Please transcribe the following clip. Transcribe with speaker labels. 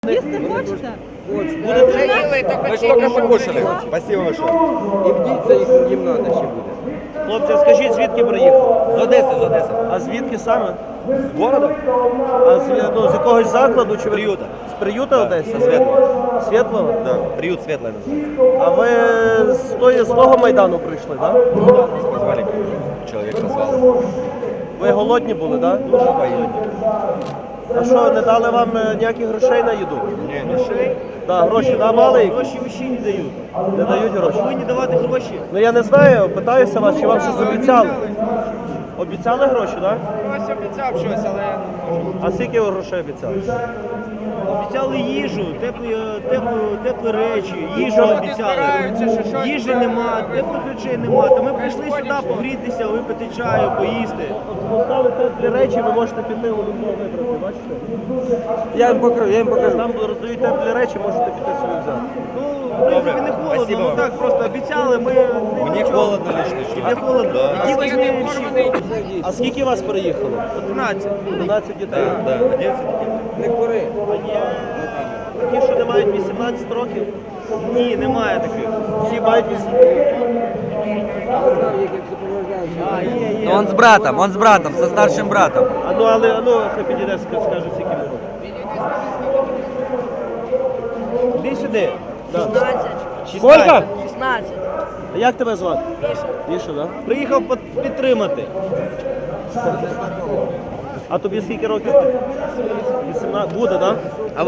Speaker 1: Їсти хочете?
Speaker 2: Мы же только покушали. Спасибо большое.
Speaker 3: І вдіться їм надо ще буде.
Speaker 4: Хлопці, скажіть, звідки приїхали?
Speaker 2: З Одеси, з Одеси.
Speaker 4: А звідки саме?
Speaker 2: З города?
Speaker 4: А з якогось закладу чи ви?
Speaker 2: Приюта.
Speaker 4: З приюта Одеси?
Speaker 2: Со Светлого.
Speaker 4: Світлого?
Speaker 2: Да, приют Светлый называется.
Speaker 4: А ви з того Майдану прийшли, так? Да?
Speaker 2: Нас позвали, человек назвал.
Speaker 4: Ви голодні були, так? Да?
Speaker 2: Дуже военный.
Speaker 4: А що, не дали вам ніяких грошей на їду?
Speaker 2: Не, грошей?
Speaker 4: Так, гроші давали?
Speaker 2: Гроші ще не дають.
Speaker 4: Не дають гроші?
Speaker 2: Повинні давати гроші.
Speaker 4: Ну я не знаю, питаюся вас, чи вам щось обіцяли? Обіцяли гроші, так? Да?
Speaker 2: Хтось обіцяв щось, але я не можу.
Speaker 4: А скільки ви грошей обіцяли?
Speaker 5: Обіцяли їжу, теплі речі, їжу обіцяли. Їжі нема, теплих речей нема. Та ми прийшли сюди погрітися, випити чаю, поїсти.
Speaker 4: Поставили теплі речі, ви можете піти у любого вибрати, бачите?
Speaker 3: Я їм покажу.
Speaker 4: Там роздають теплі речі, можете піти собі взяти.
Speaker 5: Ну, в принципі, не холодно,
Speaker 2: Спасибо
Speaker 5: ну
Speaker 2: вам.
Speaker 5: так, просто обіцяли, ми...
Speaker 2: Мені холодно лично.
Speaker 5: Тебе холодно?
Speaker 2: Да.
Speaker 5: Іди возьми вещи.
Speaker 4: А скільки вас переїхало?
Speaker 5: 11.
Speaker 4: 12 дітей.
Speaker 2: Да, 11 детей.
Speaker 3: Не кури.
Speaker 4: А є такі, що не мають 18 років?
Speaker 5: Ні, немає таких.
Speaker 4: Всі мають 18.
Speaker 3: Ну, он с братом, со старшим братом.
Speaker 4: Хай підійде, скаже, скільки йому років. Іди сюди. Да.
Speaker 1: 16.
Speaker 4: Скільки?
Speaker 1: 16.
Speaker 4: А як тебе звати?
Speaker 1: Міша.
Speaker 4: Міша, так? Да?
Speaker 5: Приїхав підтримати.
Speaker 4: А тобі скільки років? 18. Буде, так? Да?